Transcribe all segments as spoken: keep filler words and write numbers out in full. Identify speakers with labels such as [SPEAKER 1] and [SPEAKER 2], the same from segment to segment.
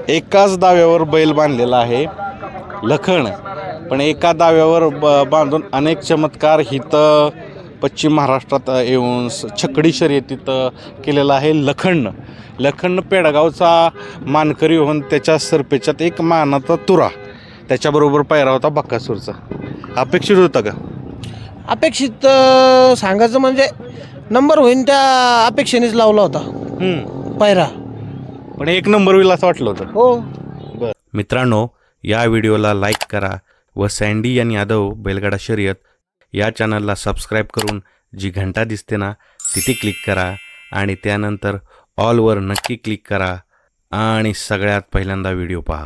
[SPEAKER 1] एकाच दाव्यावर बैल बांधलेला आहे लखन, पण एका दाव्यावर ब बांधून अनेक चमत्कार हिथं पश्चिम महाराष्ट्रात येऊन छकडी शर्यतीत केलेला आहे लखननं. लखननं पेडगावचा मानकरी होऊन त्याच्या सरपेच्यात एक मानाचा तुरा, त्याच्याबरोबर पायरा होता बक्कासूरचा. अपेक्षित होता का?
[SPEAKER 2] अपेक्षित सांगायचं म्हणजे नंबर होईन त्या अपेक्षेनेच लावला होता पायरा,
[SPEAKER 1] पण एक नंबर होईल असं वाटलं होतं.
[SPEAKER 2] हो.
[SPEAKER 1] बरं मित्रांनो, या व्हिडिओला लाईक करा व सँडी आणि यादव बैलगाडा शर्यत या चॅनलला सबस्क्राईब करून जी घंटा दिसते ना तिथे क्लिक करा आणि त्यानंतर ऑलवर नक्की क्लिक करा आणि सगळ्यात पहिल्यांदा व्हिडिओ पहा.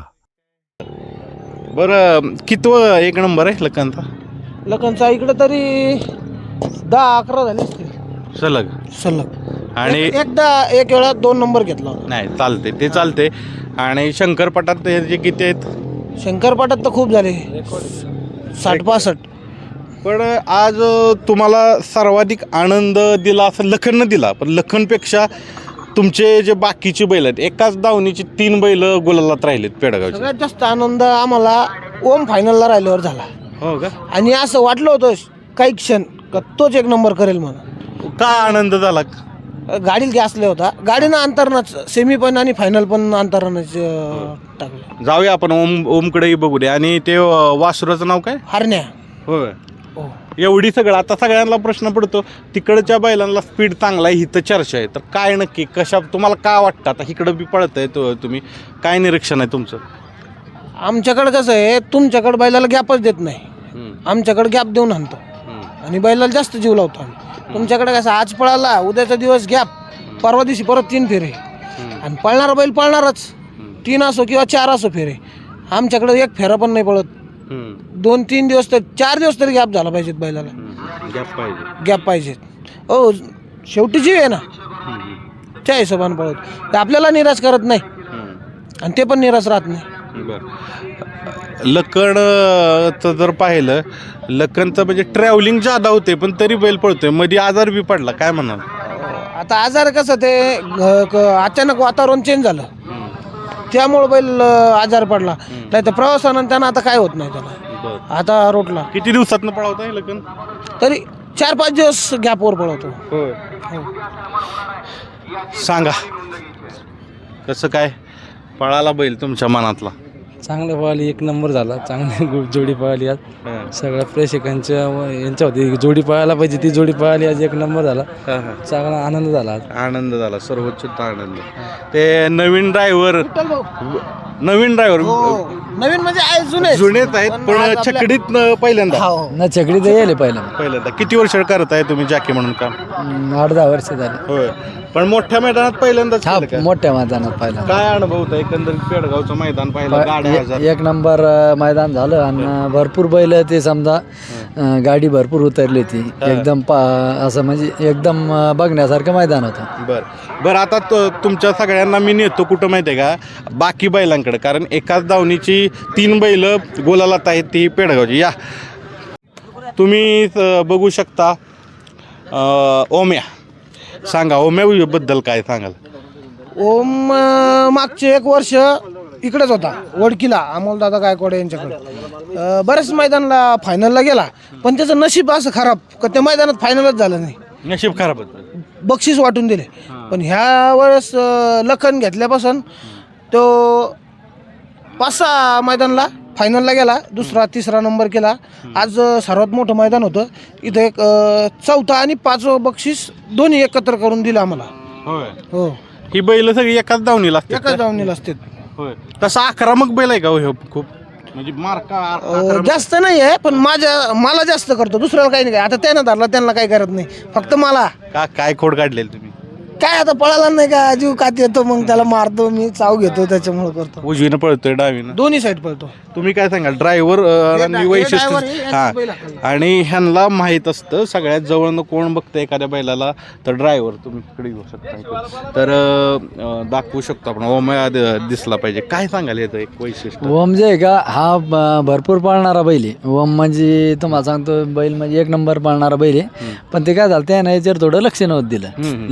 [SPEAKER 1] बरं कितवं एक नंबर आहे लखनचा?
[SPEAKER 2] लखनचा इकडे तरी दहा अकरा झाले असतील
[SPEAKER 1] सलग
[SPEAKER 2] सलग.
[SPEAKER 1] आणि
[SPEAKER 2] एक- एकदा एक वेळा दोन नंबर घेतला होता.
[SPEAKER 1] नाही चालते ते चालते. आणि शंकरपटात हे जे किती आहेत?
[SPEAKER 2] शंकरपाटात तर खूप झाले, साठ पासष्ट.
[SPEAKER 1] पण आज तुम्हाला सर्वाधिक आनंद दिला असं लखननं दिला, पण लखनपेक्षा तुमचे जे बाकीचे बैल आहेत, एकाच दावणीची तीन बैल गुलालात राहिलेत पेडगावचे.
[SPEAKER 2] सगळ्यात जास्त आनंद आम्हाला ओम फायनलला राहिल्यावर झाला.
[SPEAKER 1] हो का?
[SPEAKER 2] आणि असं वाटलं होतं काही क्षण का तोच एक नंबर करेल म्हणून.
[SPEAKER 1] काय आनंद झाला?
[SPEAKER 2] गाडीला गॅस लय होता, गाडीनं अंतरणाच सेमी पण आणि फायनल पण अंतरणाच टाकलं.
[SPEAKER 1] जाऊया आपण ओम ओमकडेही बघू दे. आणि ते वासुराचं नाव काय?
[SPEAKER 2] हरण्या.
[SPEAKER 1] होय.
[SPEAKER 2] हो.
[SPEAKER 1] एवढी सगळं आता सगळ्यांना प्रश्न पडतो, तिकडच्या बैलांना स्पीड चांगला आहे, हिथं चर्चा आहे, तर काय नक्की कशा तुम्हाला काय वाटतं? आता इकडं बी पळतंय तो, तुम्ही काय निरीक्षण आहे तुमचं?
[SPEAKER 2] आमच्याकडे कसं आहे, तुमच्याकडे बैलाला गॅपच देत नाही, आमच्याकडे गॅप देऊन आणतो आणि बैलाला जास्त जीव लावतो आम्ही. तुमच्याकडे कसं आज पळाला, उद्याचा दिवस गॅप, परवा दिवशी परत तीन फेरे, आणि पळणारा बैल पळणारच, तीन असो किंवा चार असो फेरे. आमच्याकडे एक फेरा पण नाही पळत. दोन तीन दिवस तर चार दिवस तरी गॅप झाला पाहिजेत बैलाला,
[SPEAKER 1] गॅप पाहिजे
[SPEAKER 2] गॅप पाहिजेत. हो, शेवटी जीव आहे ना, त्या हिशोबाने पळत तर आपल्याला निराश करत नाही आणि ते पण निराश राहत नाही.
[SPEAKER 1] बरं, लखनचं जर पाहिलं, लखनचं म्हणजे ट्रॅव्हलिंग जादा होते पण तरी बैल पळतोय, मध्ये आजार बी पडला, काय म्हणाल?
[SPEAKER 2] आता आजार कसं ते घ- क- अचानक वातावरण चेंज झालं त्यामुळं बैल अं, आजार पडला. नाही तर प्रवासानं त्यांना आता काय होत नाही त्याला, आता रोटला.
[SPEAKER 1] किती दिवसातनं पळवताय लखन?
[SPEAKER 2] तरी चार पाच दिवस गॅपवर पळवतो.
[SPEAKER 1] होय.
[SPEAKER 2] हो.
[SPEAKER 1] सांगा कसं काय पळाला बैल तुमच्या मनातला?
[SPEAKER 3] चांगलं पळाली, एक नंबर झाला, चांगली गो- जोडी पळाली आज. सगळ्या प्रेक्षकांच्या व यांच्या होती जोडी पळायला पाहिजे, ती जोडी पळाली आज, एक नंबर झाला, चांगला आनंद झाला आज.
[SPEAKER 1] आनंद झाला, सर्वोच्च आनंद. ते नवीन ड्रायव्हर
[SPEAKER 2] विठ्ठल भाऊ.
[SPEAKER 1] नवीन ड्रायव्हर
[SPEAKER 2] हो. नवीन म्हणजे आहे, जुने
[SPEAKER 1] जुनेच आहेत पण
[SPEAKER 2] आज आपल्या-
[SPEAKER 1] छकडीत न- पहिल्यांदा
[SPEAKER 2] हो.
[SPEAKER 3] ना छकडी तर यायला पहिला
[SPEAKER 1] पहिल्यांदा. किती वर्ष करत आहे तुम्ही जॅकी म्हणून काम?
[SPEAKER 3] आठ दहा वर्ष झाले.
[SPEAKER 1] होय, पण मोठ्या मैदानात पहिल्यांदाच
[SPEAKER 3] हा,
[SPEAKER 1] केलं का?
[SPEAKER 3] मोठ्या मैदानात पहिला
[SPEAKER 1] काय अनुभव होता एकंदरीत पेडगावचं मैदान पाहिलं? गाड्या हजार
[SPEAKER 3] एक नंबर अं, मैदान झालं आणि भरपूर बैल ते समजा अं, गाडी भरपूर उतरली होती एकदम पा असं म्हणजे एकदम अं, बघण्यासारखं मैदान होतं.
[SPEAKER 1] बरं बरं आता तो तुमच्या सगळ्यांना मी नेतो कुठं माहिती आहे का? बाकी बैलांकडे, कारण एकाच दावणीची तीन बैल गोलालात आहेत ती पेडगावची. या तुम्ही अ, बघू शकता अ, ओम्या. सांगा ओम्या बद्दल काय सांगाल?
[SPEAKER 2] ओम अं, मागचे एक वर्ष इकडेच होता वडकीला, अमोलदादा गायकवाड यांच्याकडे. अं, बऱ्याच मैदानाला फायनलला गेला, पण त्याचं नशीब असं खराब का त्या मैदानात फायनलच झालं नाही,
[SPEAKER 1] नशीब खराब होतं.
[SPEAKER 2] बक्षीस वाटून दिले. पण ह्या वेळेस अं, लखन घेतल्यापासून तो पाच सहा मैदानला फायनलला गेला, दुसरा तिसरा नंबर केला. आज अं, सर्वात मोठं मैदान होतं इथं, एक अं, चौथा आणि पाचवं बक्षीस दोन्ही एकत्र करून दिलं आम्हाला.
[SPEAKER 1] होय,
[SPEAKER 2] हो,
[SPEAKER 1] ही बैल सगळी एकाच दावणीला असतात
[SPEAKER 2] एकाच
[SPEAKER 1] का?
[SPEAKER 2] जाऊन असते.
[SPEAKER 1] होय, तसा आक्रमक बैल आहे का हो ह्यो? खूप म्हणजे मार्का आक्रमक-
[SPEAKER 2] जास्त नाही आहे, पण माझ्या मला जास्त करतो, दुसऱ्याला काही नाही. आता त्यानं धरला त्यांना काही करत नाही, फक्त मला.
[SPEAKER 1] का काय खोड काढलेली तुम्ही?
[SPEAKER 2] काय आता पळाला नाही का, जीव कात येतो, मग त्याला मारतो मी, चाव घेतो, त्याच्यामुळे करतो.
[SPEAKER 1] उजवीनं पळतोय डावीनं?
[SPEAKER 2] दोन्ही साईड पळतो.
[SPEAKER 1] तुम्ही काय सांगाल ड्रायव्हर आणि
[SPEAKER 2] हे
[SPEAKER 1] वैशिष्ट्य?
[SPEAKER 2] driver हे
[SPEAKER 1] हा,
[SPEAKER 2] यांचं बैल हाकललं.
[SPEAKER 1] आणि ह्यांना माहीत असतं सगळ्यात जवळनं कोण बघतं एखाद्या बैलाला, तर ड्रायव्हर तुम्ही इकडे येऊ शकता इकडे. तर अं, दाखवू शकतो आपण ओम्या द- दिसला पाहिजे. काय सांगाल याचं एक वैशिष्ट्य?
[SPEAKER 3] ओम जे आहे का, हा ब- भरपूर पळणारा बैल आहे. ओम म्हणजे तुम्हाला सांगतो बैल म्हणजे एक नंबर पळणारा बैल आहे. पण ते काय झालं, त्यानं याच्यावर थोडं लक्ष नव्हतं दिलं,
[SPEAKER 1] हम्म.
[SPEAKER 3] लखनमुळे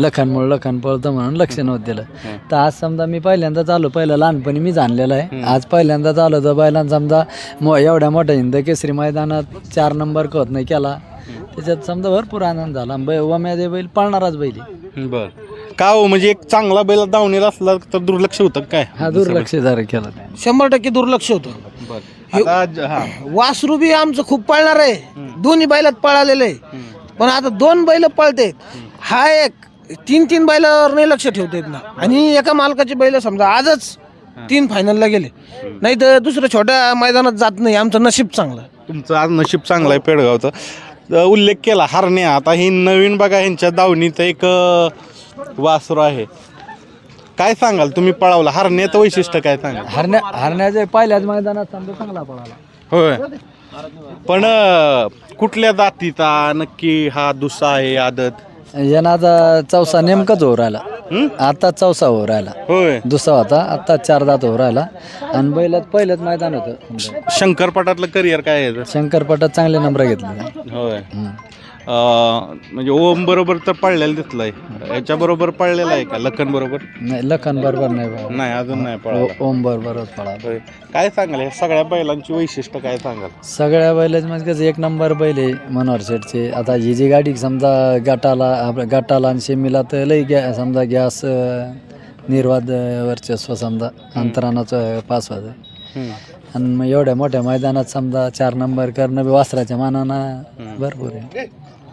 [SPEAKER 3] लखन पळतं म्हणून लक्ष नव्हतं दिलं. तर आज समजा मी पहिल्यांदाच आलो, पहिलं लहानपणी मी जाणलेलं आहे, आज पहिल्यांदाच आलो तर बैलांना समजा मो एवढ्या मोठ्या हिंद केसरी मैदानात चार नंबर कळत नाही केला, त्याच्यात समजा भरपूर आनंद झाला. बै वम्यादे बैल पळणाराच बैल आहे.
[SPEAKER 1] बर का हो, म्हणजे एक चांगला बैल दावणीला असला तर दुर्लक्ष होतं काय?
[SPEAKER 3] हा दुर्लक्ष जरा केलं.
[SPEAKER 2] शंभर टक्के दुर्लक्ष होतं.
[SPEAKER 1] आता ज- हा
[SPEAKER 2] वासरू बी आमचं खूप पळणार आहे, दोन्ही बैलात पळालेलं आहे. पण आता दोन बैल पळतेत, हा एक तीन तीन बैलावर नाही लक्ष ठेवतेत ना. आणि एका मालकाची बैल समजा आजच तीन फायनलला गेले, नाही तर दुसऱ्या छोट्या मैदानात जात नाही. आमचं नशीब चांगलं.
[SPEAKER 1] तुमचं आज नशीब चांगलं आहे पेडगावचं. अ, उल्लेख केला हरण्या, आता ही नवीन बघा ह्यांच्या दावणीचं एक अ, वासरू आहे. काय सांगाल तुम्ही पळावला हरण्याचं वैशिष्ट्य काय सांगाल?
[SPEAKER 3] हरण्या हरण्याच्या पहिल्याच मैदानात समजा चांगला पळाला.
[SPEAKER 1] होय, पण अ, कुठल्या जातीचा नक्की हा दुसरा आहे आदत?
[SPEAKER 3] यांना आता चौसा नेमकाच हो राहिला, आता चौसा हो राहिला.
[SPEAKER 1] होय,
[SPEAKER 3] दुसरा होता, आता चार दात हो राहिला. आणि बैलात पहिलंच मैदान होतं.
[SPEAKER 1] शंकरपटातलं करिअर काय आहे?
[SPEAKER 3] शंकरपटात चांगले नंबर घेतले.
[SPEAKER 1] होय, अ, म्हणजे ओम बरोबर तर पळलेलं दिसलंय, याच्या बरोबर पळलेला आहे का लखन बरोबर?
[SPEAKER 3] नाही लखन बरोबर नाही पळाला.
[SPEAKER 1] नाही, अजून नाही पळाला.
[SPEAKER 3] ओम बरोबरच पळाला.
[SPEAKER 1] होय. काय सांगाल या सगळ्या बैलांची वैशिष्ट्य काय सांगाल?
[SPEAKER 3] सगळ्या बैलाच म्हणजे कसं एक नंबर बैल आहे मनोहर शेठचे. आता ही जी गाडी समजा गटाला आपल्या गटाला आणि शेमीला तर लई गॅ समजा गॅस निर्वाद वर्चस्व समजा अंतरानाचं पास व्हायचं. आणि मग एवढ्या मोठ्या मैदानात समजा चार नंबर करणं बी वासराच्या मानानं भरपूर आहे.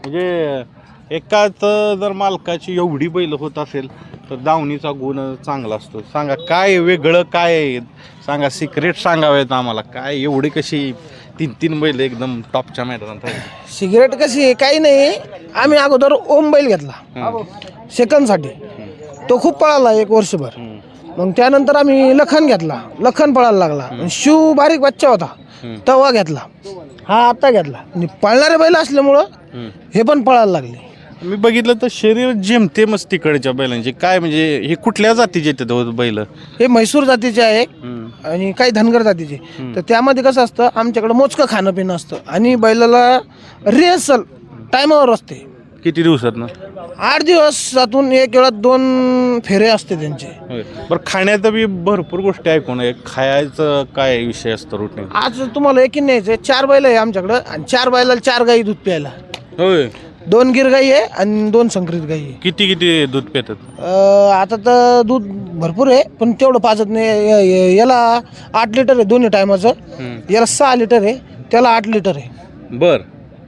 [SPEAKER 1] म्हणजे एकाच जर मालकाची एवढी बैल होत असेल तर दावणीचा गुण चांगला असतो. सांगा काय वेगळं काय आहे? सांगा, सिक्रेट सांगावेत आम्हाला. काय एवढी कशी तीन तीन बैल एकदम टॉपच्या मैदानात आहे?
[SPEAKER 2] सिगरेट कशी आहे? काही नाही. आम्ही अगोदर ओम बैल घेतला सेकंडसाठी, तो खूप पळाला एक वर्षभर. मग त्यानंतर आम्ही लखन घेतला, लखन पळायला लागला. शिव बारीक बच्चा होता तेव्हा घेतला, हा आता घेतला. आणि पळणारे बैल असल्यामुळं हे पण पळायला लागले.
[SPEAKER 1] मी बघितलं तर शरीर जेमतेमच तिकडच्या बैलांचे. काय म्हणजे हे कुठल्या जातीचे येतात हो बैल?
[SPEAKER 2] हे म्हैसूर जातीचे आहे आणि काही धनगर जातीचे. तर त्यामध्ये कसं असतं, आमच्याकडं मोजकं खाणं पिणं असतं आणि बैलाला रिहर्सल टायमावर असते.
[SPEAKER 1] किती दिवसात ना?
[SPEAKER 2] आठ दिवसातून एक वेळा दोन फेरे असते त्यांचे.
[SPEAKER 1] बरं, खाण्याचं बी भरपूर गोष्टी ऐकून आहे. खायचं काय विषय असतो रुटीन?
[SPEAKER 2] आज तुम्हाला एकीन न्यायचं आहे. चार बैल आहे आमच्याकडं आणि चार बैलाला चार गाई दूध प्यायला.
[SPEAKER 1] होय,
[SPEAKER 2] दोन गिर गाई आहे आणि दोन संकरित गाई आहे.
[SPEAKER 1] किती किती दूध पितात?
[SPEAKER 2] अं, आता तर दूध भरपूर आहे पण तेवढं पाजत नाही. य- य- याला आठ लिटर आहे दोन्ही टायमाचं, याला सहा लिटर आहे, त्याला आठ लिटर आहे.
[SPEAKER 1] बर,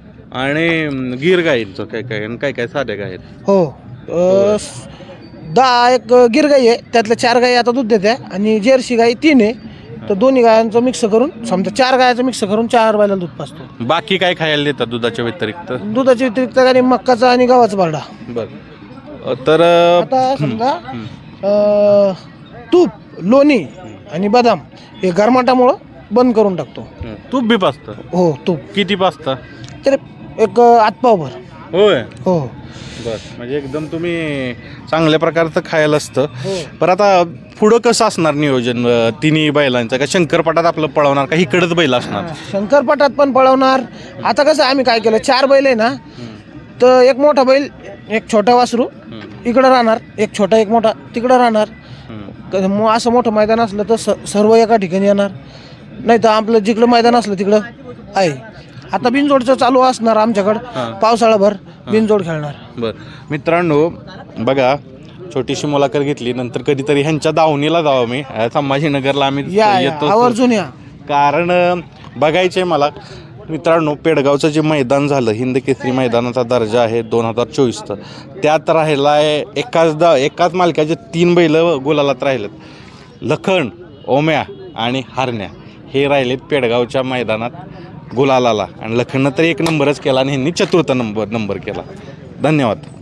[SPEAKER 1] आणि गिर गाईंचं काय काय आणि काय काय साध्या गाय आहेत?
[SPEAKER 2] हो, अं, स- दहा एक गिर गाई आहे, त्यातल्या चार गाई आता दूध देते आणि जर्सी गाई तीन आहे. तर दोन्ही गायांचं मिक्स करून समजा चार गायांचं मिक्स करून चार बैलाला दूध पाजतो.
[SPEAKER 1] बाकी काय खायला देतात दुधाच्या व्यतिरिक्त?
[SPEAKER 2] दुधाच्या व्यतिरिक्त आणि मक्काचा आणि गव्हाचा बारडा.
[SPEAKER 1] बर, तर
[SPEAKER 2] आता समजा अं, तूप, लोणी आणि बदाम हे गरमाटामुळं बंद करून टाकतो.
[SPEAKER 1] तूप बी पाचतं?
[SPEAKER 2] हो, तूप
[SPEAKER 1] किती पाचतं?
[SPEAKER 2] तर एक आतपावभर.
[SPEAKER 1] होय,
[SPEAKER 2] हो
[SPEAKER 1] बर, म्हणजे एकदम तुम्ही चांगल्या प्रकारचं खायला असतं.
[SPEAKER 2] हो.
[SPEAKER 1] पण आता पुढं कसं असणार नियोजन अं, तिन्ही बैलांचं? का शंकरपटात आपलं पळवणार का इकडंच बैल असणार?
[SPEAKER 2] शंकरपटात पण पळवणार. आता कसं आम्ही काय केलं, चार बैल आहे ना, तर एक मोठा बैल एक छोटा वासरू इकडं राहणार, एक छोटा एक मोठा तिकडं राहणार. क- मग असं मोठं मैदान असलं तर स सर्व एका ठिकाणी येणार, नाही तर आपलं जिकडं मैदान असलं तिकडं आहे. आता बिनजोडचं चालू असणार आमच्याकडं, पावसाळाभर बिनजोड खेळणार.
[SPEAKER 1] बर, मित्रांनो बघा, छोटीशी मुलाखत घेतली. नंतर कधीतरी ह्यांच्या दावणीला जावं मी. अं, संभाजीनगरला आम्ही
[SPEAKER 2] या या,
[SPEAKER 1] येतो,
[SPEAKER 2] आवर्जून या.
[SPEAKER 1] कारण अं, बघायचं आहे मला. मित्रांनो, पेडगावचं जे मैदान झालं, हिंद केसरी मैदानाचा दर्जा आहे दोन हजार चोवीसचं, त्यात राहिला आहे एकाच दा एकाच मालकाचे तीन बैल गुलालात राहिलेत. लखन, ओम्या आणि हरण्या हे राहिलेत पेडगावच्या मैदानात गुलालाला. आणि लखननं तर एक नंबरच केला आणि ह्यांनी चतुर्थ नंबर नंबर केला. धन्यवाद.